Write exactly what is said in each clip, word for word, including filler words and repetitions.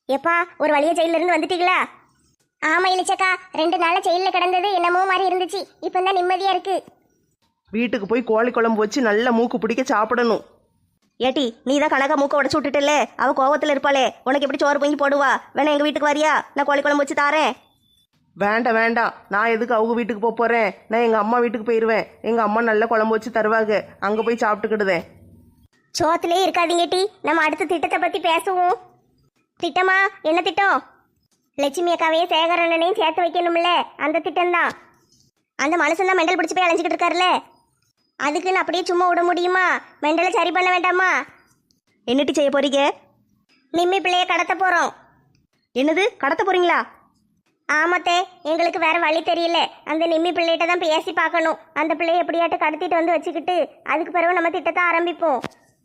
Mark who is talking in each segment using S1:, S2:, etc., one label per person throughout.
S1: எப்பா ஒரு வழியா ஜெயில இருந்து வந்துட்டீங்களா? ஆமா இளிச்சக்கா, ரெண்டு நாளா ஜெயில கிடந்தது என்னமோ மாதிரி இருந்துச்சு. இப்போ தான் நிம்மதியா இருக்கு.
S2: வீட்டுக்கு போய் கோழி குழம்பு வச்சு நல்லா மூக்கு பிடிக்க சாப்பிடணும்.
S3: ஏட்டி நீ தான் கணக்கா மூக்க உடச்சு விட்டுட்டல, அவ கோவத்துல இருப்பாளே, உனக்கு எப்படி சோறு பொங்கி போடுவா? வேணா எங்க வீட்டுக்கு வரியா? நான் கோழி குழம்பு வச்சு தாரேன்.
S2: வேண்டாம் வேண்டாம், நான் எதுக்கு அவங்க வீட்டுக்கு போக போறேன்? நான் எங்க அம்மா வீட்டுக்கு போயிடுவேன். எங்க அம்மா நல்ல குழம்பு வச்சு தருவாங்க, அங்க போய் சாப்பிட்டுக்கிடுதேன்.
S1: சோத்துலயே இருக்காதீங்க டி, நம்ம அடுத்த திட்டத்தை பத்தி பேசுவோம். திட்டமா? என்ன திட்டம்? லட்சுமி அக்காவையே சேகரனையும் சேர்த்து வைக்கணும்ல, அந்த திட்டம் தான். அந்த மனுஷன் தான் மெண்டல் பிடிச்சி போய் அலைஞ்சிக்கிட்டு இருக்காருல்ல, அதுக்குன்னு அப்படியே சும்மா விட முடியுமா? மெண்டலை சரி பண்ண வேண்டாமா?
S3: என்னட்டி செய்ய போறீங்க?
S1: நிம்மி பிள்ளைய கடத்த போறோம்.
S3: என்னது, கடத்த போறீங்களா?
S1: ஆமாத்தே, எங்களுக்கு வேற வழி தெரியல. அந்த நிம்மி பிள்ளைகிட்ட தான் பேசி பார்க்கணும். அந்த பிள்ளைய எப்படியாட்டு கடத்திட்டு வந்து வச்சுக்கிட்டு அதுக்கு பிறகு நம்ம திட்டத்தை ஆரம்பிப்போம்.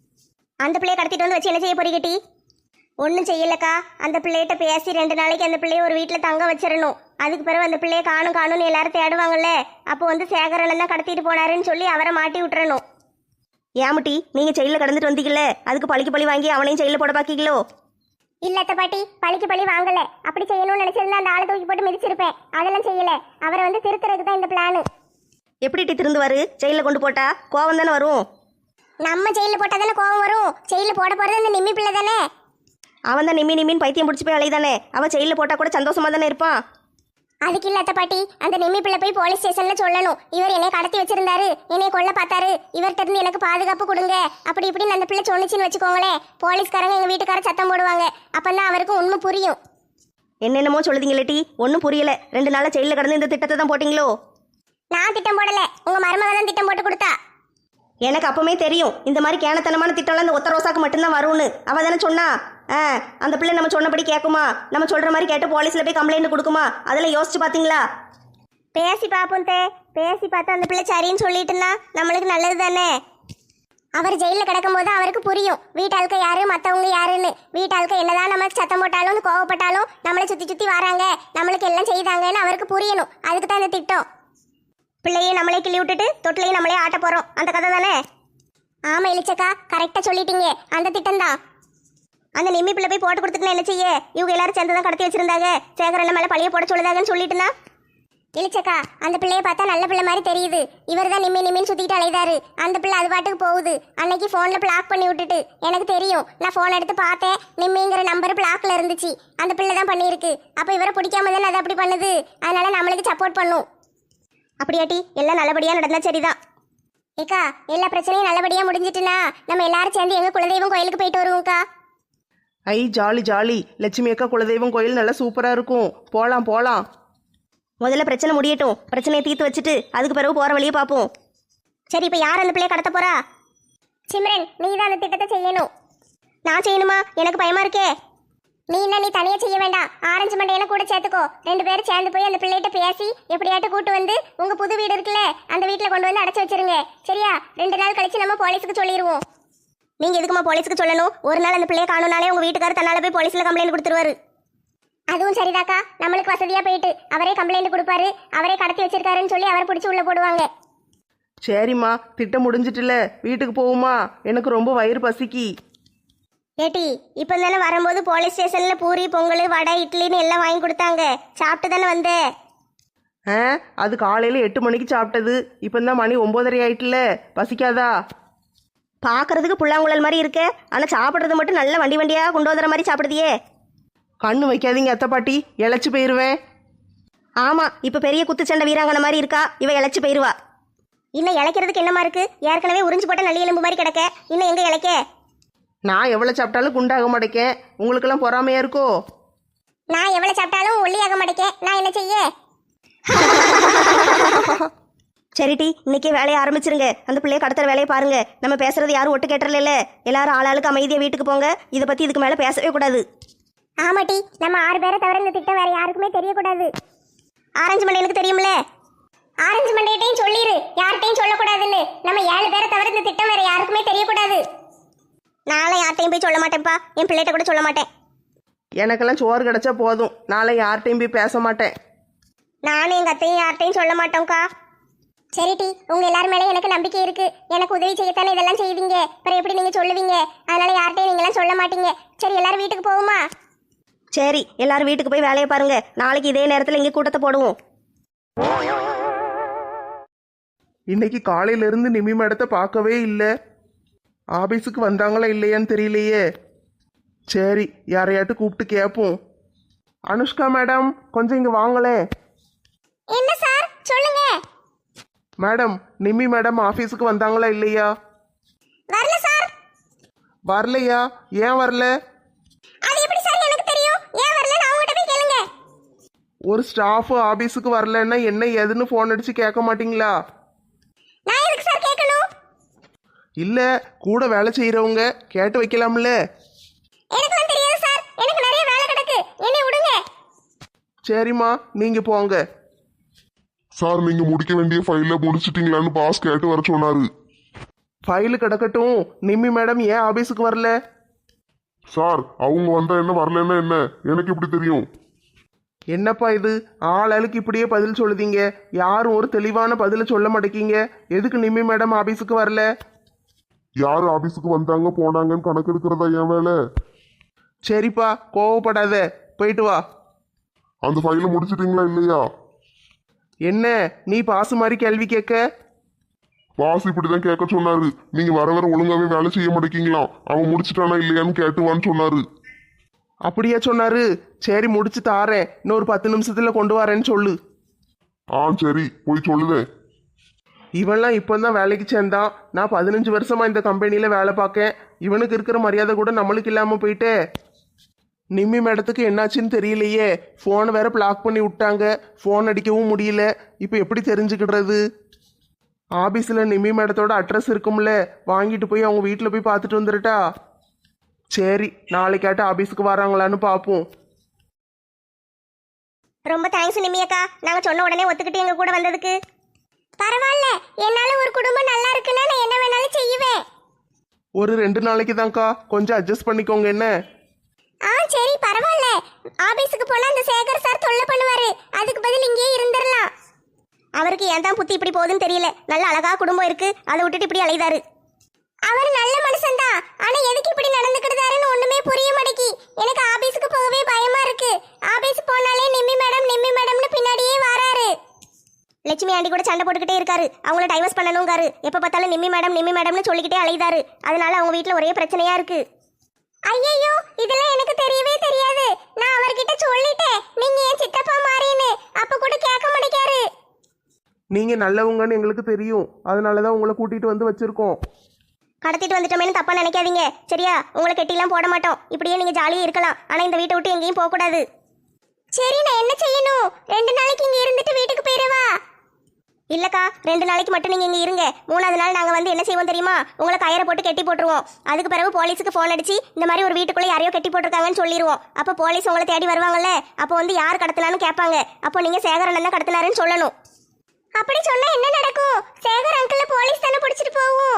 S1: அந்த பிள்ளைய கடத்திட்டு வந்து வச்சு என்ன செய்ய போறீங்க டி? ஒன்றும் செய்யலக்கா, அந்த பிள்ளைகிட்ட பேசி ரெண்டு நாளைக்கு அந்த பிள்ளைய ஒரு வீட்டில் தங்க வச்சிடணும். அதுக்கு பிறகு அந்த பிள்ளைய காணும் காணும்னு எல்லாரும் தேடுவாங்கல்ல, அப்போ வந்து சேகரனை தான் கடத்திட்டு போனாருன்னு சொல்லி அவரை மாட்டி விட்டுறணும்.
S3: ஏமுட்டி, நீங்க ஜெயில கடந்துட்டு வந்தீங்கல்ல, அதுக்கு பழிக்கு பழி வாங்கி அவனையும் ஜெயில போட பாக்கீங்களோ?
S1: இல்லத்த பாட்டி, பழிக்கு பழி வாங்கல. அப்படி செய்யணும்னு நினைச்சிருந்தா அந்த ஆளை தூக்கி போட்டு மிதிச்சிருப்பேன். அதெல்லாம் செய்யல. அவரை வந்து திருத்துறதுக்கு தான் இந்த பிளானு.
S3: எப்படி டி திருந்துவாரு? ஜெயில கொண்டு போட்டா கோவம் தானே வரும்.
S1: நம்ம ஜெயில போட்டா தானே கோவம் வரும். ஜெயில போட போறது அந்த நிம்மி பிள்ளை தானே.
S3: அவன் தான் நிம்மி நிம்மின்னு பைத்தியம் பிடிச்சி போய் அலைதானே, அவன் ஜெயில போட்டா கூட சந்தோஷமா தானே இருப்பான்.
S1: அதுக்கு இல்லாத பாட்டி, அந்த நிம்மி பிள்ளை போய் போலீஸ் ஸ்டேஷன்ல சொல்லணும், இவர் என்னை கடத்தி வச்சிருந்தாரு, என்னை கொல்ல பார்த்தாரு, இவர்கிட்ட இருந்து எனக்கு பாதுகாப்பு கொடுங்க அப்படி இப்படின்னு அந்த பிள்ளை சொன்னிச்சின்னு வச்சுக்கோங்களேன். போலீஸ்காரங்க எங்க வீட்டுக்கார சத்தம் போடுவாங்க. அப்பதான் அவருக்கு உண்மை புரியும்.
S3: என்னென்னமோ சொல்லுதீங்களே டி, ஒன்றும் புரியல. ரெண்டு நாளா ஜெயில கடந்து இந்த திட்டத்தை தான் போட்டீங்களோ?
S1: நான் திட்டம் போடல, உங்க மருமக தான் திட்டம் போட்டு கொடுத்தா.
S3: எனக்கு அப்பவுமே தெரியும் இந்த மாதிரி கேனத்தனமான திட்டம்லாம் இந்த ஒத்த ரோசாக்கு மட்டும்தான் வரும்னு. அவ தானே சொன்னா. ஆ, அந்த பிள்ளை நம்ம சொன்னபடி கேட்குமா? நம்ம சொல்ற மாதிரி கேட்டு போலீஸ்ல போய் கம்ப்ளைண்ட் கொடுக்குமா? அதெல்லாம் யோசிச்சு பாத்தீங்களா?
S1: பேசி பார்ப்போம் தே. பேசி பார்த்தா அந்த பிள்ளை சரின்னு சொல்லிட்டுனா நம்மளுக்கு நல்லது தானே. அவர் ஜெயிலில் கிடக்கும் போது அவருக்கு புரியும் வீட்டாளுக்க யாரு மற்றவங்க யாருன்னு. வீட்டாளுக்க என்னதான் நம்ம சத்தம் போட்டாலும் கோவப்பட்டாலும் நம்மளை சுற்றி சுற்றி வராங்க, நம்மளுக்கு எல்லாம் செய்தாங்கன்னு அவருக்கு புரியணும். அதுக்கு தான் இந்த திட்டம்.
S3: பிள்ளையை நம்மளே கிள்ளி விட்டுட்டு தொட்டிலையும் நம்மளே ஆட்ட போறோம், அந்த கதை தானே?
S1: ஆமா இளிச்சக்கா, கரெக்டாக சொல்லிட்டீங்க. அந்த திட்டம் தான்.
S3: அந்த நிம்மி பிள்ளை போய் போட்டு கொடுத்துட்டுனா என்ன செய்ய? இவங்க எல்லாரும் சேர்ந்து தான் கடத்தி வச்சிருந்தாங்க, சேகரன் மேலே பழைய போட சொல்லுதாங்கன்னு சொல்லிட்டுனா.
S1: இளிச்சக்கா, அந்த பிள்ளைய பார்த்தா நல்ல பிள்ளை மாதிரி தெரியுது. இவர் தான் நிம்மி நிம்மின்னு சுத்திட்டு அலைதாரு. அந்த பிள்ளை அது பாட்டுக்கு போகுது. அன்னைக்கு போன்ல பிளாக் பண்ணி விட்டுட்டு எனக்கு தெரியும். நான் போன் எடுத்து பார்த்தேன், நிம்மிங்கிற நம்பர் பிளாக்ல இருந்துச்சு. அந்த பிள்ளை தான் பண்ணியிருக்கு. அப்ப இவரை பிடிக்காம தானே அது அப்படி பண்ணுது. அதனால நம்மளுக்கு சப்போர்ட் பண்ணும்.
S3: அப்படியாட்டி, எல்லாம் நல்லபடியா நடந்தா சரிதான்.
S1: ஏக்கா, எல்லா பிரச்சனையும் நல்லபடியா முடிஞ்சிட்டுனா நம்ம எல்லாரும் சேர்ந்து எங்க குலதெய்வம் கோயிலுக்கு போயிட்டு வருவோம்க்கா.
S2: ஐ ஜாலி ஜாலி. லட்சுமி அக்கா குலதெய்வம் கோயில் நல்லா சூப்பரா இருக்கும். போலாம் போலாம்.
S3: முதல்ல பிரச்சனை முடியட்டும், பிரச்சனையை தீர்த்து வச்சுட்டு அதுக்கு பிறகு போற வழியை பார்ப்போம். சரி, இப்போ யார் அந்த பிள்ளைய கடத்த போறா?
S1: சிம்ரன், நீ தான் அந்த திட்டத்தை செய்யணும்.
S3: நான் செய்யணுமா? எனக்கு பயமா இருக்கே.
S1: நீ என்ன, நீ தனியா செய்ய வேண்டாம். ஆரஞ்சு மண்டையில கூட சேர்த்துக்கோ. ரெண்டு பேரும் சேர்ந்து போய் அந்த பிள்ளைகிட்ட பேசி எப்படியாட்டு கூட்டு வந்து உங்க புது வீடு இருக்குல்ல, அந்த வீட்டுல கொண்டு வந்து அடைச்சு வச்சிருங்க. சரியா? ரெண்டு நாள் கழிச்சு நம்ம போலீஸுக்கு சொல்லிடுவோம்.
S3: நீங்க எதுக்குமா போலீஸுக்கு சொல்லணும்? ஒரு நாள் அந்த பிள்ளைய காணும்னாலே உங்க வீட்டுக்காரர் தன்னால போய் போலீஸ்ல கம்ப்ளைண்ட் கொடுத்துருவாரு.
S1: அதுவும் சரிதாக்கா, நம்மளுக்கு வசதியா போயிட்டு அவரே கம்ப்ளைண்ட் கொடுப்பாரு. அவரே கடத்தி வச்சிருக்காருன்னு சொல்லி அவரை பிடிச்சி உள்ள போடுவாங்க.
S2: சரிம்மா, திட்டம் முடிஞ்சிட்டுல, வீட்டுக்கு போகுமா? எனக்கு ரொம்ப வயிறு பசிக்கி.
S3: ஏட்டி, இப்போ தானே வரும்போது போலீஸ் ஸ்டேஷன்ல பூரி பொங்கல் வடை இட்லின்னு எல்லாம் வாங்கி கொடுத்தாங்க, சாப்பிட்டு தானே வந்தேன்.
S2: ஆ, அது காலையில எட்டு மணிக்கு சாப்பிட்டது. இப்போ தான் மணி ஒன்பதரை ஆயிட்டுல, பசிக்காதா?
S3: பார்க்கறதுக்கு புல்லாங்குழல் மாதிரி இருக்க, ஆனா சாப்பிட்றது மட்டும் நல்ல வண்டி வண்டியா கொண்டு வந்துற மாதிரி சாப்பிடுதியே.
S2: கண்ணு வைக்காதீங்க அத்தை பாட்டி, இழைச்சி போயிருவேன்.
S3: ஆமா, இப்ப பெரிய குத்துச்சண்டை வீராங்கனை மாதிரி இருக்கா, இவ இழைச்சி போயிருவா. இன்னும் இழைக்கிறதுக்கு என்னமா இருக்கு? ஏற்கனவே உறிஞ்சு போட்ட நல்லி எலும்பு மாதிரி கிடக்க, இன்னும் எங்க இழைக்க?
S2: நான் எவ்வளோ சாப்பிட்டாலும் குண்டாக மாட்டேக்கேன். உங்களுக்கெல்லாம் பொறாமையா இருக்கோ?
S1: நான் எவ்வளவு சாப்பிட்டாலும் ஒல்லியாக மாட்டேக்கேன். நான் என்ன செய்ய?
S3: சரிட்டி, இன்னைக்கே வேலையை ஆரம்பிச்சிருங்க. அந்த பிள்ளைய கடத்துற வேலையை பாருங்க. நம்ம பேசுறது யாரும் ஒட்டு கேட்டுறல. எல்லாரும் ஆளாளுக்கு அமைதியா வீட்டுக்கு போங்க. இதை பத்தி இதுக்கு மேல பேசவே கூடாது.
S1: ஆமாட்டி, நம்ம ஆறு பேரை தவிர இந்த திட்டம் வேற யாருக்குமே தெரியக்கூடாது.
S3: ஆரஞ்சு மண்டையனுக்கு தெரியும்ல?
S1: ஆரஞ்சு மண்டையிட்டையும் சொல்லிரு, யார்கிட்டையும் சொல்லக்கூடாதுன்னு. நம்ம ஏழு பேரை தவிர இந்த திட்டம் வேற யாருக்குமே தெரியக்கூடாது.
S3: நாளை யார்ட்டையும் போய் சொல்ல மாட்டேன்ப்பா, என் பிள்ளைகிட்ட கூட சொல்ல மாட்டேன்.
S2: எனக்கெல்லாம் சோறு கிடைச்சா போதும், நாளை யார்கிட்டையும் போய் பேச மாட்டேன்.
S3: நானும் எங்க அத்தையும் யார்ட்டையும் சொல்ல மாட்டோம்க்கா.
S1: சரிட்டி, உங்க எல்லாரும் மேலே எனக்கு நம்பிக்கை இருக்கு. எனக்கு உதவி செய்யத்தானே இதெல்லாம் செய்வீங்க, அப்புறம் எப்படி நீங்க சொல்லுவீங்க? அதனால யார்கிட்டையும் நீங்க எல்லாம் சொல்ல மாட்டீங்க. சரி, எல்லாரும் வீட்டுக்கு போகுமா?
S3: சரி எல்லாரும் வீட்டுக்கு போய் வேலையை பாருங்க. நாளைக்கு இதே நேரத்தில் இங்கே கூட்டத்தை போடுவோம்.
S2: இன்னைக்கு காலையில இருந்து நிமி மேடத்தை பார்க்கவே இல்லை. ஆபீஸுக்கு வந்தாங்களா இல்லையான்னு தெரியலையே. சரி யாரையாட்டு கூப்பிட்டு கேட்போம். அனுஷ்கா மேடம் கொஞ்சம் இங்க வாங்களேன்.
S1: என்ன சார் சொல்லுங்க.
S2: மேடம் நிமி மேடம் ஆபீஸுக்கு வந்தாங்களா இல்லையா?
S1: வரல சார்.
S2: வரலையா? ஏன் வரல?
S1: அது எப்படி சார் எனக்கு தெரியும்? ஏன் வரல நான் உங்ககிட்ட போய் கேளுங்க.
S2: ஒரு ஸ்டாஃப் ஆபீஸுக்கு வரலன்னா என்ன ஏதுன்னு ஃபோன் அடிச்சு கேட்க மாட்டீங்களா?
S1: நான் எதுக்கு சார் கேட்கணும்?
S2: இல்ல கூட வேலை செய்யறவங்க கேட்டு வைக்கலாம்ல.
S1: எனக்கு வந்து தெரியாது சார். எனக்கு நிறைய வேலை கிடக்கு. என்னை விடுங்க.
S2: சரிம்மா நீங்க போங்க.
S4: சார் நீங்க முடிக்க வேண்டிய ஃபைல முடிச்சிட்டீங்களான்னு பாஸ் கேட்டு வர சொன்னாரு.
S2: ஃபைலு கிடக்கட்டும். நிம்மி மேடம் ஏன் ஆபீஸுக்கு வரல?
S4: சார் அவங்க வந்தா என்ன வரலன்னா என்ன எனக்கு எப்படி தெரியும்?
S2: என்னப்பா இது ஆளாளுக்கு இப்படியே பதில் சொல்லுதீங்க. யாரும் ஒரு தெளிவான பதில சொல்ல மாட்டேங்க. எதுக்கு நிம்மி மேடம் ஆபீஸுக்கு வரல?
S4: யார் ஆபீஸுக்கு வந்தாங்க போனாங்கன்னு கணக்கு எடுக்கிறதா என் வேலை.
S2: சரிப்பா கோவப்படாத, போயிட்டு வா.
S4: அந்த ஃபைலை முடிச்சிட்டீங்களா இல்லையா?
S2: என்ன நீ பாசு மாதிரி கேள்வி கேட்க?
S4: பாஸ் இப்படிதான் கேட்க சொன்னாரு. நீங்க வர வர ஒழுங்காவே வேலை செய்ய மாட்டேங்கலாம். அவன் முடிச்சிட்டானா இல்லையான்னு கேட்டுவான்னு சொன்னாரு.
S2: அப்படியா சொன்னாரு? சரி முடிச்சு தாரேன். இன்னொரு பத்து நிமிஷத்துல கொண்டு வரேன்னு சொல்லு.
S4: ஆ சரி போய் சொல்லுதேன்.
S2: இவன்லாம் இப்போதான் வேலைக்கு சேர்ந்தான். நான் பதினஞ்சு வருஷமா இந்த கம்பெனியில வேலை பார்க்கேன். இவனுக்கு இருக்கிற மரியாதை கூட நம்மளுக்கு இல்லாம போயிட்டே. நிம்மி மேடத்துக்கு என்னாச்சுன்னு தெரியலையே. ஃபோனை வேற பிளாக் பண்ணி விட்டாங்க. ஃபோன் அடிக்கவும் முடியல. இப்போ எப்படி தெரிஞ்சுக்கிடுறது? ஆபீஸில் நிம்மி மேடத்தோட அட்ரஸ் இருக்கும்ல, வாங்கிட்டு போய் அவங்க வீட்டில் போய் பார்த்துட்டு வந்துருட்டா. சரி நாளைக்காட்ட ஆபீஸுக்கு வராங்களான்னு பார்ப்போம்.
S1: ரொம்ப தேங்க்ஸ் நிம்மியக்கா. நாங்க சொன்ன உடனே ஒத்துக்கிட்டு எங்க கூட வந்ததுக்கு. பரவாயில்ல. என்னால ஒரு குடும்பம் நல்லா இருக்குன்னா நான் என்ன வேணாலும் செய்வேன்.
S2: ஒரு ரெண்டு நாளைக்கு தான்க்கா, கொஞ்சம் அட்ஜஸ்ட் பண்ணிக்கோங்க என்ன.
S1: ஆ சரி பரவாயில்ல. ஆபீஸுக்கு போனா அந்த சேகர் சார் தொல்லை பண்ணுவாரு. அதுக்கு பதில் இங்கேயே இருந்துடலாம். அவருக்கு ஏன் தான் புத்தி இப்படி போகுதுன்னு தெரியல. நல்ல அழகா குடும்பம் இருக்கு, அதை விட்டுட்டு இப்படி அலைதாரு. அவர் நல்ல மனுஷன் தான். ஆனா எதுக்கு இப்படி நடந்துக்கிட்டாருன்னு ஒண்ணுமே புரிய மாட்டேங்கி. எனக்கு ஆபீஸுக்கு போகவே பயமா இருக்கு. ஆபீஸ் போனாலே நிம்மி மேடம் நிம்மி மேடம்னு பின்னாடியே வராரு. லட்சுமி ஆண்டி கூட சண்டை போட்டுக்கிட்டே இருக்காரு. அவங்கள டைவர்ஸ் பண்ணணுங்காரு. எப்ப பார்த்தாலும் நிம்மி மேடம் நிம்மி மேடம்னு சொல்லிக்கிட்டே அலைதாரு. அதனால அவங்க வீட்டுல ஒரே பிரச்சனையா இருக்கு. ஐயோ இதெல்லாம் எனக்கு தெரியவே தெரியாது. நான் அவர்கிட்ட சொல்லிட்டேன் நீங்க ஏன் சித்தப்பா மாறின்னு. அப்ப கூட கேட்க மாட்டேங்காரு.
S2: நீங்க நல்லவங்கன்னு எங்களுக்கு தெரியும். அதனாலதான் உங்களை கூட்டிட்டு வந்து வச்சிருக்கோம்.
S1: கடத்திட்டு வந்துட்டோமேனு தப்பா நினைக்காதீங்க சரியா? உங்களை கெட்டிலாம் போட மாட்டோம். இப்படியே நீங்க ஜாலியா இருக்கலாம். ஆனா இந்த வீட்டை விட்டு எங்கேயும் போக கூடாது. சரி நான் என்ன செய்யணும்? ரெண்டு நாளைக்கு இங்க இருந்துட்டு வீட்டுக்கு போயிடவா? இல்லக்கா ரெண்டு நாளைக்கு மட்டும் நீங்க இங்க இருங்க. மூணாவது நாள் நாங்க வந்து என்ன செய்வோம் தெரியுமா? உங்களை கயிறை போட்டு கெட்டி போட்டுருவோம். அதுக்கு பிறகு போலீஸுக்கு போன் அடிச்சு இந்த மாதிரி ஒரு வீட்டுக்குள்ள யாரையோ கெட்டி போட்டிருக்காங்கன்னு சொல்லிடுவோம். அப்போ போலீஸ் உங்களை தேடி வருவாங்கல்ல. அப்போ வந்து யார் கடத்தினான்னு கேட்பாங்க. அப்போ நீங்க சேகரன் தான் கடத்தினாருன்னு சொல்லணும். அப்படி சொன்னா என்ன நடக்கும்? சேகர் அங்கிள் போலீஸ் தானே பிடிச்சிட்டு போவோம்.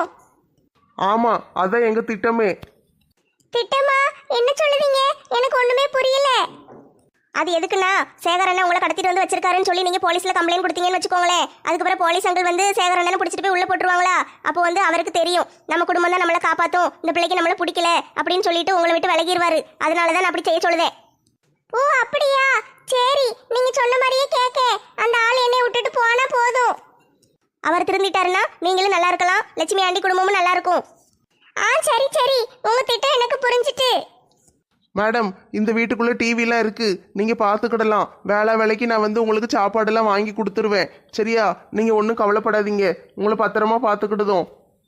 S2: ஆமா அதான் எங்க திட்டமே.
S1: திட்டமா? என்ன சொல்லுவீங்க? எனக்கு ஒண்ணுமே புரியல. அது எதுக்குன்னா சேகரண்ணா உங்களை கடத்திட்டு வந்து வச்சிருக்காருன்னு சொல்லி நீங்க போலீஸ்ல கம்ப்ளைண்ட் கொடுத்தீங்கன்னு வச்சுக்கோங்களேன். அதுக்கப்புறம் போலீஸ் அங்கிள் வந்து சேகரண்ணனை பிடிச்சிட்டு போய் உள்ள போட்டுருவாங்களா. அப்போ வந்து அவருக்கு தெரியும் நம்ம குடும்பம் தான் நம்மளை காப்பாத்தும், இந்த பிள்ளைக்கு நம்மளை பிடிக்கல அப்படின்னு சொல்லிட்டு உங்களை விட்டு விலகிடுவாரு. அதனாலதான் நான் அப்படி செய்ய சொல்லுதேன். ஓ அப்படியா? சரி நீங்க சொன்ன மாதிரியே கேட்க. அந்த ஆள் என்னை விட்டுட்டு போனா போதும். அவர் திருந்திட்டாருன்னா நீங்களும் நல்லா இருக்கலாம், லட்சுமி ஆண்டி குடும்பமும் நல்லா இருக்கும். ஆ சரி சரி உங்க திட்டம் எனக்கு புரிஞ்சிட்டு.
S2: மேடம் இந்த வீட்டுக்குள்ள டிவிலாம் இருக்கு, நீங்க பார்த்துக்கிடலாம். வேலை வேலைக்கு நான் வந்து உங்களுக்கு சாப்பாடெல்லாம் வாங்கி கொடுத்துருவேன் சரியா? நீங்க ஒன்றும் கவலைப்படாதீங்க. உங்களை பத்திரமா பார்த்துக்கிடுதோம்.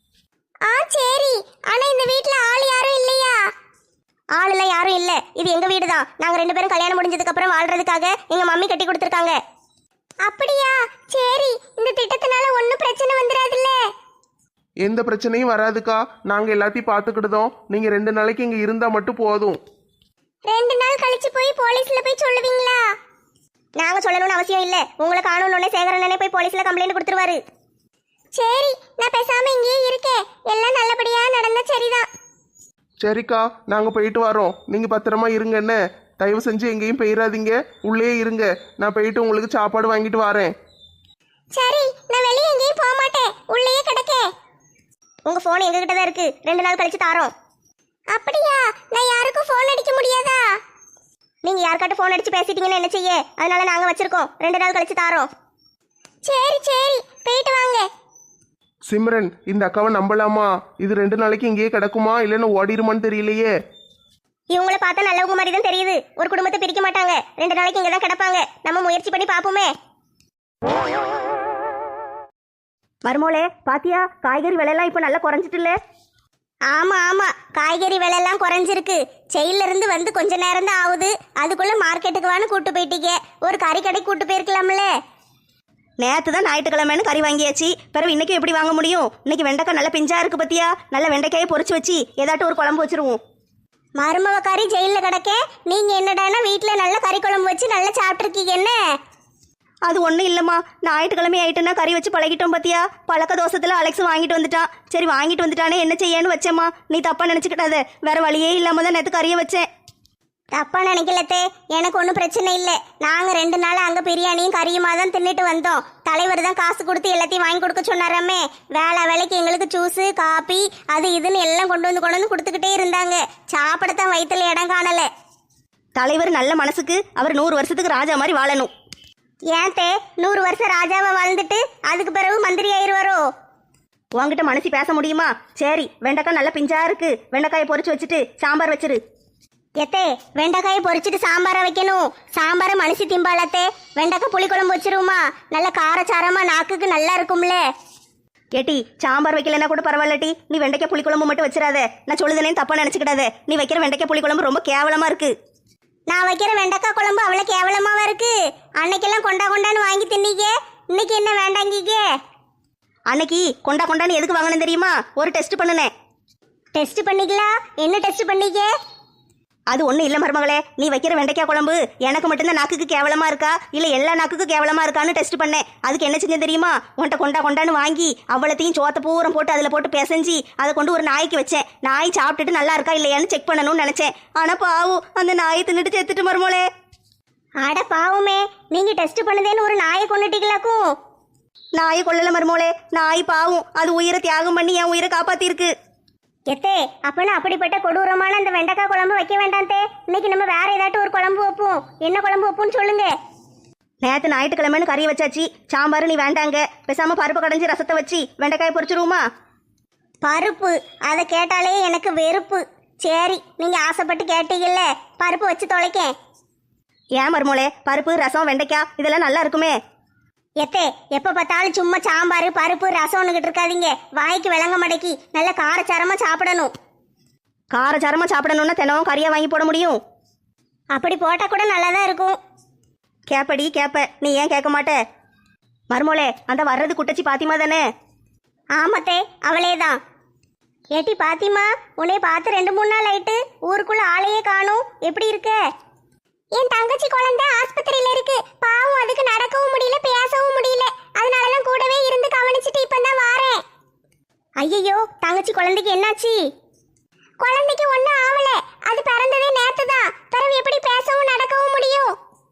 S1: ஆ சரி. ஆனா இந்த வீட்ல ஆள் யாரும் இல்லையா? ஆளுலாம் யாரும் இல்ல. இது எங்க வீடு தான். நாங்க ரெண்டு பேரும் கல்யாணம் முடிஞ்சதுக்கு அப்புறம் வாழ்றதுக்காக எங்க மம்மி கட்டி கொடுத்துருக்காங்க. அப்படியா? சரி இந்த திட்டத்தினால ஒன்றும் பிரச்சனை வந்துடாதுல்ல?
S2: எந்த பிரச்சனையும் வராதுக்கா. நாங்க எல்லாத்தையும் பார்த்துக்கிடுதோம். நீங்க ரெண்டு நாளைக்கு இங்க இருந்தா மட்டும் போதும்.
S1: ரெண்டு நாள் கழிச்சு போய் போலீஸ்ல போய் சொல்லுவீங்களா? நாங்க சொல்லணும்னு அவசியம் இல்ல. உங்களை காணணும்னே சேகரண்ணனே போய் போலீஸ்ல கம்ப்ளைண்ட் கொடுத்துருவாரு. சரி நான் பேசாம இங்கேயே இருக்கேன். எல்லாம் நல்லபடியா நடந்தா சரிதான்.
S2: சரிக்கா நாங்க போயிட்டு வரோம். நீங்க பத்திரமா இருங்க என்ன. தயவு செஞ்சு எங்கேயும் போயிடாதீங்க, உள்ளே இருங்க. நான் போயிட்டு உங்களுக்கு சாப்பாடு வாங்கிட்டு வரேன்.
S1: சரி நான் வெளியே எங்கேயும் போக மாட்டேன், உள்ளேயே கிடக்கேன். உங்க போன் எங்க கிட்ட தான் இருக்கு. ரெண்டு நாள் கழிச்சு தாரோம். அப்படியா? நான் யாருக்கும் போன் அடிக்க முடியாதா? நீங்க யாருக்காட்ட ஃபோன் அடிச்சு பேசிட்டீங்கன்னு என்ன செய்ய? அதனால நாங்க வச்சிருக்கோம், ரெண்டு நாள் கழிச்சு தாரோம். சரி சரி, போயிட்டு வாங்க.
S2: சிம்ரன், இந்த அக்காவை நம்பலாமா? இது ரெண்டு நாளைக்கு இங்கேயே கிடக்குமா இல்லைன்னு ஓடிடுமான்னு தெரியலையே.
S1: இவங்கள பார்த்தா நல்லவங்க மாதிரி தான் தெரியுது. ஒரு குடும்பத்தை பிரிக்க மாட்டாங்க, ரெண்டு நாளைக்கு இங்க தான் கிடப்பாங்க. நம்ம முயற்சி பண்ணி பார்ப்போமே.
S3: மருமோளே பாத்தியா, காய்கறி விலையெல்லாம் இப்போ நல்லா குறைஞ்சிட்டுல?
S1: ஆமா ஆமா, காய்கறி விலை எல்லாம் குறைஞ்சிருக்கு. செயல்ல இருந்து வந்து கொஞ்ச நேரம் தான் ஆகுது, அதுக்குள்ள மார்க்கெட்டுக்கு வான்னு கூட்டு போயிட்டீங்க. ஒரு கறி கடை கூட்டு போயிருக்கலாம்ல.
S3: நேற்று தான் ஞாயிற்றுக்கிழமைன்னு கறி வாங்கியாச்சு, பிறகு இன்னைக்கு எப்படி வாங்க முடியும்? இன்னைக்கு வெண்டைக்காய் நல்ல பிஞ்சா இருக்கு பத்தியா, நல்ல வெண்டைக்காயை பொரிச்சு வச்சு ஏதாட்டும் ஒரு குழம்பு வச்சிருவோம்.
S1: மருமவ கறி ஜெயில கிடக்க, நீங்க என்னடானா வீட்டுல நல்ல கறி குழம்பு வச்சு நல்லா சாப்பிட்டுருக்கீங்க என்ன?
S3: அது ஒன்றும் இல்லைம்மா, ஞாயிற்றுக்கிழமை ஆயிட்டுன்னா கறி வச்சு பழகிட்டோம் பத்தியா. பழக்க தோசத்தில் அலெக்ஸ் வாங்கிட்டு வந்துட்டான். சரி வாங்கிட்டு வந்துட்டானே என்ன செய்யன்னு வச்சேம்மா. நீ தப்பா நினச்சிக்கிட்டாத, வேற வழியே இல்லாம தான் நேற்று கறியை வச்சேன்.
S1: தப்பா நினைக்கலத்தே, எனக்கு ஒன்றும் பிரச்சனை இல்லை. நாங்க ரெண்டு நாள் அங்க பிரியாணியும் கறியுமா தான் தின்னுட்டு வந்தோம். தலைவர் தான் காசு கொடுத்து எல்லாத்தையும் வாங்கி கொடுக்க சொன்னாராமே. வேலை வேலைக்கு எங்களுக்கு ஜூஸு காப்பி அது இதுன்னு எல்லாம் கொண்டு வந்து கொண்டு வந்து கொடுத்துக்கிட்டே இருந்தாங்க. சாப்பிடத்தான் வயிற்றுல இடம் காணல.
S3: தலைவர் நல்ல மனசுக்கு, அவர் நூறு வருஷத்துக்கு ராஜா மாதிரி வாழணும்.
S1: ஏன் தே, நூறு வருஷம் ராஜாவை வாழ்ந்துட்டு அதுக்கு பிறகு மந்திரி ஆயிடுவாரோ?
S3: உங்ககிட்ட மனசி பேச முடியுமா? சரி, வெண்டைக்காய் நல்ல பிஞ்சா இருக்கு, வெண்டைக்காயை பொரிச்சு வச்சுட்டு சாம்பார் வச்சிரு.
S1: எத்தே, வெண்டைக்காயை பொரிச்சிட்டு சாம்பாரை வைக்கணும். சாம்பாரை மனுஷி திம்பாலத்தே. வெண்டைக்காய் புளிக்குழம்பு வச்சிருவோமா? நல்ல காரச்சாரமா நாக்குக்கு நல்லா இருக்கும்ல.
S3: ஏட்டி, சாம்பார் வைக்கலன்னா கூட பரவாயில்லட்டி, நீ வெண்டைக்காய் புளிக்குழம்பு மட்டும் வச்சிடாத. நான் சொல்லுதேன்னு தப்பா நினைச்சுக்கிடாத. நீ வைக்கிற வெண்டைக்காய் புளிக்குழம்பு ரொம்ப கேவலமா இருக்கு.
S1: நான் வைக்கிற வெண்டைக்காய் குழம்பு அவ்வளோ கேவலமாவா இருக்கு? அன்னைக்கெல்லாம் கொண்டா கொண்டான்னு வாங்கி தின்னீங்க, இன்னைக்கு என்ன வேண்டாங்கீங்க?
S3: அன்னைக்கு கொண்டா கொண்டான்னு எதுக்கு வாங்கினேன் தெரியுமா? ஒரு டெஸ்ட் பண்ணுனேன்.
S1: டெஸ்ட் பண்ணிக்கலாம்? என்ன டெஸ்ட் பண்ணீங்க?
S3: அது ஒன்றும் இல்லை மருமகளே, நீ வைக்கிற வெண்டைக்காய் குழம்பு எனக்கு மட்டும்தான் நாக்குக்கு கேவலமா இருக்கா இல்லை எல்லா நாக்குக்கும் கேவலமா இருக்கான்னு டெஸ்ட் பண்ணேன். அதுக்கு என்ன செஞ்சேன் தெரியுமா? உன்ட்ட கொண்டா கொண்டான்னு வாங்கி அவ்வளோத்தையும் சோத்த பூரம் போட்டு அதில் போட்டு பிசைஞ்சி அதை கொண்டு ஒரு நாய்க்கு வச்சேன். நாய் சாப்பிட்டுட்டு நல்லா இருக்கா இல்லையான்னு செக் பண்ணணும்னு நினச்சேன். ஆனால் பாவும் அந்த நாயை தின்னுட்டு செத்துட்டு மருமகளே.
S1: அட பாவுமே, நீங்க டெஸ்ட் பண்ணுதேன்னு ஒரு நாயை கொண்டுட்டீங்களாக்கும்?
S3: நாயை கொள்ளல மருமகளே, நாய் பாவும், அது உயிரை தியாகம் பண்ணி என் உயிரை காப்பாத்திருக்கு.
S1: எத்தே, அப்பனா அப்படிப்பட்ட கொடூரமான அந்த வெண்டைக்காய் குழம்பு வைக்க வேண்டாம் தே. இன்னைக்கு நம்ம வேற ஏதாட்டும் ஒரு குழம்பு வைப்போம். என்ன குழம்பு வைப்போம்னு சொல்லுங்க.
S3: நேற்று ஞாயிற்றுக்கிழமைன்னு கறி வச்சாச்சு, சாம்பார் நீ வேண்டாங்க. பேசாம பருப்பு கடைஞ்சி ரசத்தை வச்சு வெண்டைக்காய் பொரிச்சிருவோமா?
S1: பருப்பு, அதை கேட்டாலே எனக்கு வெறுப்பு. சரி, நீங்க ஆசைப்பட்டு கேட்டீங்கல்ல, பருப்பு வச்சு தொலைக்கேன்.
S3: ஏன் மருமோளே, பருப்பு ரசம் வெண்டைக்காய் இதெல்லாம் நல்லா இருக்குமே.
S1: எத்தே, எப்ப பார்த்தாலும் சும்மா சாம்பார் பருப்பு ரசம்னுகிட்டு இருக்காதீங்க. வாய்க்கு விளங்க மடக்கி நல்ல காரச்சாரமா சாப்பிடணும்.
S3: காரச்சாரமா சாப்பிடணும்னா தினம் கறியா வாங்கி போட முடியும்?
S1: அப்படி போட்டா கூட நல்லா தான் இருக்கும்.
S3: கேப்படி கேப்ப, நீ ஏன் கேட்க மாட்ட? மருமோளே, அந்த வர்றது குட்டச்சி பாத்திமா தானே?
S1: ஆமத்தே, அவளே தான். ஏட்டி பாத்திமா, உன்னை பார்த்து ரெண்டு மூணு நாள் ஆயிட்டு, ஊருக்குள்ள ஆளையே காணும். எப்படி இருக்க? என் தங்கச்சி குழந்தை ஆஸ்பத்திரியில இருக்கு. பாவம், அதுக்கு நடக்கவும் முடியல பேசவும் முடியல. அதனாலதான் கூடவே இருந்து கவனிச்சுட்டு இப்பதான் வாரேன். ஐயோ, தங்கச்சி குழந்தைக்கு என்னாச்சு? குழந்தைக்கு ஒன்னும் ஆவல, அது பிறந்ததே நேத்து தான். பிறகு எப்படி பேசவும் நடக்கவும் முடியும்?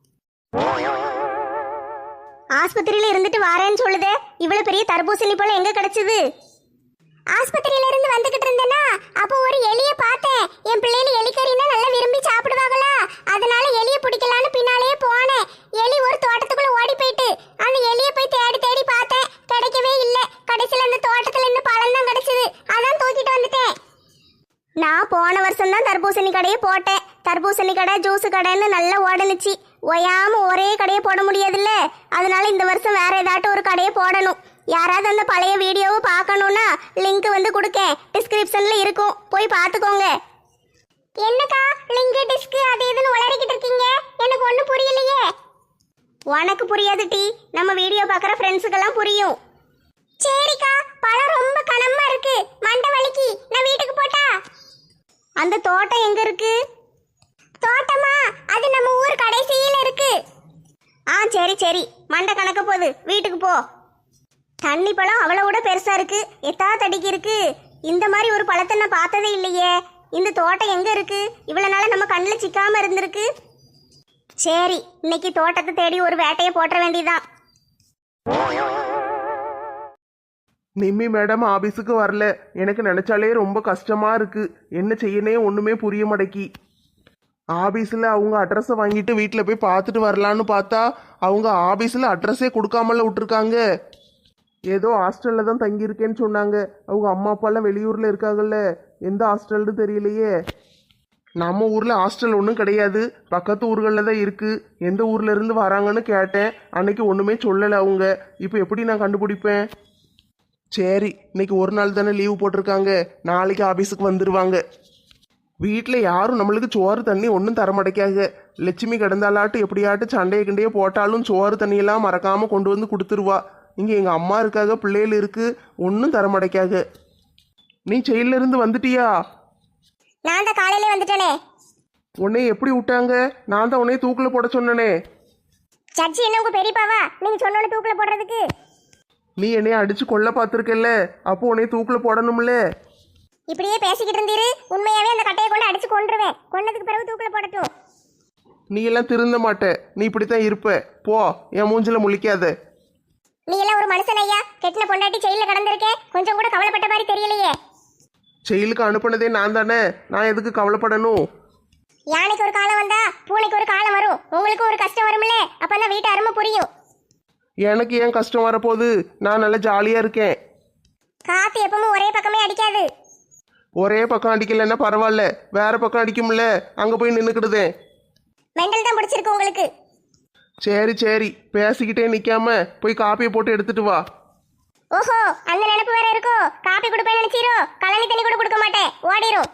S1: ஆஸ்பத்திரியில இருந்துட்டு வாரேன்னு சொல்லுதே. இவ்வளவு பெரிய தர்பூசணி போல எங்க கிடைச்சது? ஆஸ்பத்திரியில இருந்து வந்துகிட்டு இருந்தேனா, அப்போ ஒரு எலிய பார்த்தேன். என் பிள்ளைகள் எலிக்கறினா நல்லா விரும்பி சாப்பிடுவாங்களா, அதனால எலிய பிடிக்கலான்னு பின்னாலேயே போனேன். எலி ஒரு தோட்டத்துக்குள்ள ஓடி போயிட்டு, அந்த எலிய போய் தேடி தேடி பார்த்தேன், கிடைக்கவே இல்லை. கடைசியில அந்த தோட்டத்துல இன்னும் பழம் தான் கிடைச்சது, அதான் தூக்கிட்டு வந்துட்டேன். நான் போன வருஷம் தான் தர்பூசணி கடையை போட்டேன். தர்பூசணி கடை ஜூஸ் கடைன்னு நல்லா ஓடனுச்சு. ஒயாம ஒரே கடையை போட முடியாதுல்ல, அதனால இந்த வருஷம் வேற ஏதாட்டும் ஒரு கடையை போடணும். யாராவது அந்த பழைய வீடியோவை பார்க்கணும்னா லிங்க் வந்து கொடுக்கேன், டிஸ்கிரிப்ஷன்ல இருக்கும், போய் பார்த்துக்கோங்க. என்னக்கா லிங்க் டிஸ்க் அது இதுன்னு உளறிக்கிட்டு இருக்கீங்க? எனக்கு ஒன்றும் புரியலையே. உனக்கு புரியாது டி, நம்ம வீடியோ பார்க்குற ஃப்ரெண்ட்ஸுக்கெல்லாம் புரியும். சரிக்கா, பழம் ரொம்ப கனமா இருக்கு, மண்டை வலிக்கு. நான் வீட்டுக்கு போட்டா? அந்த தோட்டம் எங்க இருக்கு? தோட்டமா? அது நம்ம ஊர் கடைசியில இருக்கு. ஆ சரி சரி, மண்டை கணக்க போகுது, வீட்டுக்கு போ. தண்ணி பழம் அவ்வளோட பெருசா இருக்கு, எத்தா தடிக்கு இருக்கு. இந்த மாதிரி ஒரு பழத்தை நான் பார்த்ததே இல்லையே. இந்த தோட்டம் எங்க இருக்கு? இவ்வளவு நாள நம்ம கண்ணில் சிக்காம இருந்திருக்கு. சரி, இன்னைக்கு தோட்டத்தை தேடி ஒரு வேட்டையை போட்ட வேண்டியதான்.
S2: நிம்மி மேடம் ஆபீஸுக்கு வரல. எனக்கு நினைச்சாலே ரொம்ப கஷ்டமா இருக்கு. என்ன செய்யனே ஒண்ணுமே புரிய மாட்டேக்கி. ஆபீஸில் அவங்க அட்ரஸை வாங்கிட்டு வீட்டில் போய் பார்த்துட்டு வரலான்னு பார்த்தா அவங்க ஆபீஸில் அட்ரஸே கொடுக்காமல விட்டுருக்காங்க. ஏதோ ஹாஸ்டலில் தான் தங்கியிருக்கேன்னு சொன்னாங்க. அவங்க அம்மா அப்பாலாம் வெளியூரில் இருக்காங்கல்ல, எந்த ஹாஸ்டல்னு தெரியலையே. நம்ம ஊரில் ஹாஸ்டல் ஒன்றும் கிடையாது, பக்கத்து ஊர்களில் தான் இருக்குது. எந்த ஊர்ல இருந்து வராங்கன்னு கேட்டேன், அன்னைக்கு ஒன்றுமே சொல்லலை அவங்க. இப்போ எப்படி நான் கண்டுபிடிப்பேன்? சரி, இன்னைக்கு ஒரு நாள் தானே லீவு போட்டிருக்காங்க, நாளைக்கு ஆபீஸுக்கு வந்துடுவாங்க. வீட்டில் யாரும் நம்மளுக்கு சோறு தண்ணி ஒன்றும் தரமாட்டேக்காங்க. லட்சுமி கிடந்தாலாட்டு எப்படியாட்டு சண்டையை கிண்டையே போட்டாலும் சோறு தண்ணியெல்லாம் மறக்காமல் கொண்டு வந்து கொடுத்துருவா. இங்கே எங்கள் அம்மா இருக்காக, பிள்ளைகள் இருக்கு, ஒன்றும் தரமாட்டேக்காக. நீ செயல்ல இருந்து வந்துட்டியா?
S1: நான் தான் காலையிலே வந்துட்டேனே.
S2: உன்னை எப்படி விட்டாங்க? நான் தான் உன்னைய தூக்கில் போட சொன்னனே.
S1: சர்ச்சி என்ன உங்க பெரியப்பாவா நீங்க சொன்னோன்னு தூக்கில போடுறதுக்கு?
S2: நீ என்னைய அடிச்சு கொல்ல பார்த்துருக்கல்ல, அப்போ உன்னைய தூக்கில் போடணும்ல.
S1: இப்படியே பேசிக்கிட்டு இருந்தீரு, உண்மையாவே அந்த கட்டையை கொண்டு அடிச்சு கொன்றுவேன். கொன்னதுக்கு பிறகு தூக்கில போடட்டும்.
S2: நீ எல்லாம் திருந்த மாட்ட, நீ இப்படித்தான் இருப்ப. போ, என் மூஞ்சில முழிக்காத.
S1: நீ எல்லாம் ஒரு மனுஷன் ஐயா. கெட்டின பொண்டாட்டி ஜெயில கடந்திருக்கே, கொஞ்சம் கூட கவலைப்பட்ட மாதிரி தெரியலையே.
S2: செயலுக்கு அனுப்புனதே நான் தானே, நான் எதுக்கு கவலைப்படணும்?
S1: யானைக்கு ஒரு காலம் வந்தா பூனைக்கு ஒரு காலம் வரும். உங்களுக்கு ஒரு கஷ்டம் வரும்ல, அப்பதான் வீட்டு அருமை புரியும்.
S2: எனக்கு ஏன் கஷ்டம் வரப்போகுது? நான் நல்லா ஜாலியா இருக்கேன்.
S1: காத்து எப்பவும் ஒரே பக்கமே அடிக்காது.
S2: ஒரே பக்கம் அடிக்கலைன்னா பரவாயில்ல, வேற பக்கம் அடிக்கும்ல, அங்க போய் நின்றுக்கிடுதேன்.
S1: மெண்டல் தான் பிடிச்சிருக்கு உங்களுக்கு.
S2: சரி சரி, பேசிக்கிட்டே நிக்காம போய் காப்பியை போட்டு எடுத்துட்டு வா.
S1: ஓஹோ, அந்த நினைப்பு வேற இருக்கோ? காப்பி கொடுப்பேன்னு நினைச்சீரோ? கலனி தண்ணி கூட கொடுக்க மாட்டேன், ஓடிரும்.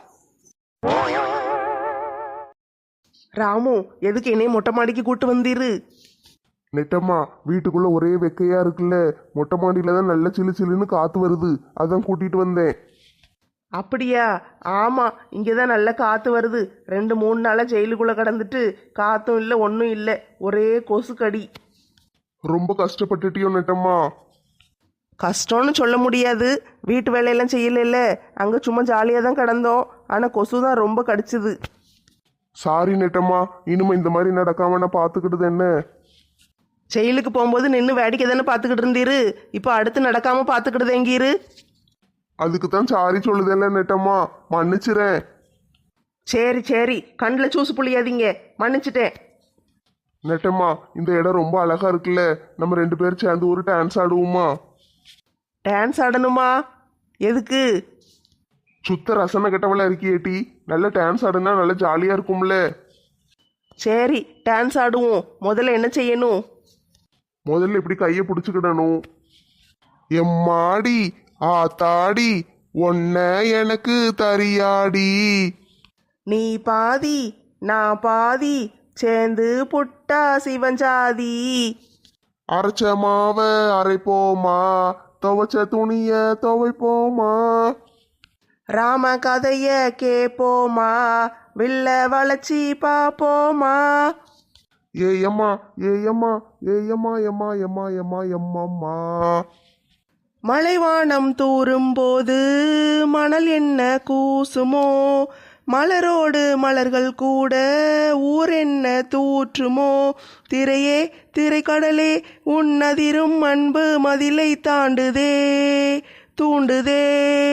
S2: ராமு, எதுக்கு என்னைய மொட்டை மாடிக்கு கூட்டு வந்தீரு?
S4: நெட்டம்மா, வீட்டுக்குள்ள ஒரே வெக்கையா இருக்குல்ல, மொட்டை மாடியில தான் நல்ல சிலு சிலுன்னு காத்து வருது, அதான் கூட்டிட்டு வந்தேன்.
S2: அப்படியா? ஆமா, இங்கதான் நல்ல காத்து வருது. ரெண்டு மூணு நாளா ஜெயிலுக்குள்ள கடந்துட்டு காத்தும் இல்லை ஒன்றும் இல்லை, ஒரே கொசு கடி.
S4: ரொம்ப கஷ்டப்பட்டுட்டியோ நெட்டம்மா?
S2: கஷ்டம்னு சொல்ல முடியாது, வீட்டு வேலையெல்லாம் செய்யல, அங்கே சும்மா ஜாலியாக தான் கிடந்தோம். ஆனால் கொசு தான் ரொம்ப கடிச்சுது.
S4: சாரி நெட்டம்மா, இனிமே இந்த மாதிரி நடக்காம நான் பார்த்துக்கிட்டது என்ன.
S2: ஜெயிலுக்கு போகும்போது நின்று வேடிக்கை தானே பார்த்துக்கிட்டு இருந்தீரு, இப்போ அடுத்து நடக்காம பார்த்துக்கிட்டு எங்கீரு?
S4: அதுக்கு தான் சாரி சொல்லுதேன்ல நெட்டம்மா, மன்னிச்சிறேன்.
S2: சரி சரி, கண்ணில் சூசு புளியாதீங்க, மன்னிச்சிட்டேன்.
S4: நெட்டம்மா, இந்த இடம் ரொம்ப அழகா இருக்குல்ல, நம்ம ரெண்டு பேரும் சேர்ந்து ஒரு டான்ஸ் ஆடுவோமா?
S2: டான்ஸ் ஆடணுமா? எதுக்கு?
S4: சுத்த ரசனை கெட்டவளா இருக்கியேட்டி, நல்ல டான்ஸ் ஆடுனா நல்ல ஜாலியா இருக்கும்ல.
S2: சரி, டான்ஸ் ஆடுவோம். முதல்ல என்ன செய்யணும்?
S4: முதல்ல இப்படி கையை பிடிச்சுக்கிடணும். எம்மாடி ஆத்தாடி ஒன்ன எனக்கு தரியாடி.
S2: நீ பாதி நான் பாதி சேர்ந்து புட்டா சிவஞ்சாதி.
S4: அரைச்ச மாவ அரைப்போமா, துவைச்ச துணிய துவைப்போமா.
S2: ராம கதைய கேப்போமா, வில்ல வளைச்சி பாப்போமா.
S4: ஏயம்மா ஏயம்மா ஏயம்மா எம்மா எம்மா எம்மா எம்மம்மா.
S2: மலைவானம் தூரும் போது மணல் என்ன கூசுமோ, மலரோடு மலர்கள் கூட ஊர் என்ன தூற்றுமோ. திரையே திரைக்கடலே உன்னதிரும் அன்பு மதிலை தாண்டுதே தூண்டுதே.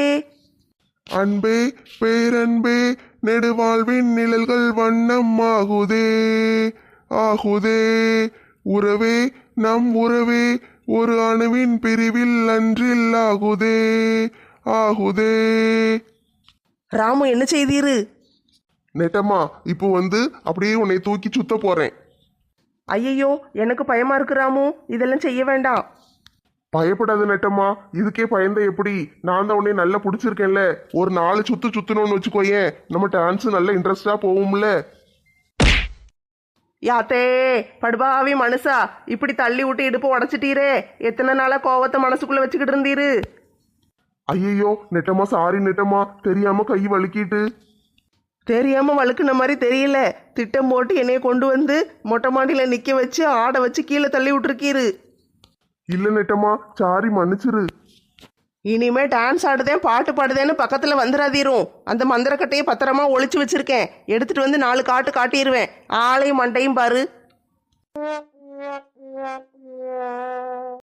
S4: அன்பே பேரன்பே நெடுவாழ்வின் நிழல்கள் வண்ணம் ஆகுதே ஆகுதே. உறவே நம் உறவே ஒரு அணுவின் பிரிவில் அன்றில் ஆகுதே ஆகுதே.
S2: ராமு, என்ன செய்தீரு?
S4: நெட்டம்மா, இப்போ வந்து அப்படியே உன்னை தூக்கி சுத்த போறேன்.
S2: ஐயையோ, எனக்கு பயமா இருக்கு ராமு, இதெல்லாம் செய்ய வேண்டாம்.
S4: பயப்படாத நெட்டம்மா, இதுக்கே பயந்த எப்படி? நான் தான் உன்னை நல்லா பிடிச்சிருக்கேன்ல, ஒரு நாலு சுத்து சுத்தணும்னு வச்சுக்கோயேன், நம்ம டான்ஸ் நல்ல இன்ட்ரெஸ்டா போகும்ல.
S2: யாத்தே படுபாவி மனுஷா, இப்படி தள்ளி விட்டு இடுப்பு உடச்சிட்டீரே. எத்தனை நாளா கோவத்தை மனசுக்குள்ள வச்சுக்கிட்டு இருந்தீரு?
S4: ஐயோ நெட்டம்மா, சாரி நெட்டம்மா, தெரியாம கை வலிக்கிட்டு.
S2: தெரியாம வழுக்குன மாதிரி தெரியல, திட்டம் போட்டு என்னைய கொண்டு வந்து மொட்டை மாடியில நிக்க வச்சு ஆட வச்சு கீழே தள்ளி விட்டுருக்கீரு.
S4: இல்ல நெட்டம்மா, சாரி மன்னிச்சிரு.
S2: இனிமே டான்ஸ் ஆடுதேன் பாட்டு பாடுதேன்னு பக்கத்துல வந்துடாதீரும். அந்த மந்திரக்கட்டையை பத்திரமா ஒளிச்சு வச்சிருக்கேன், எடுத்துட்டு வந்து நாலு காட்டு காட்டிடுவேன். ஆளையும் மண்டையும் பாரு.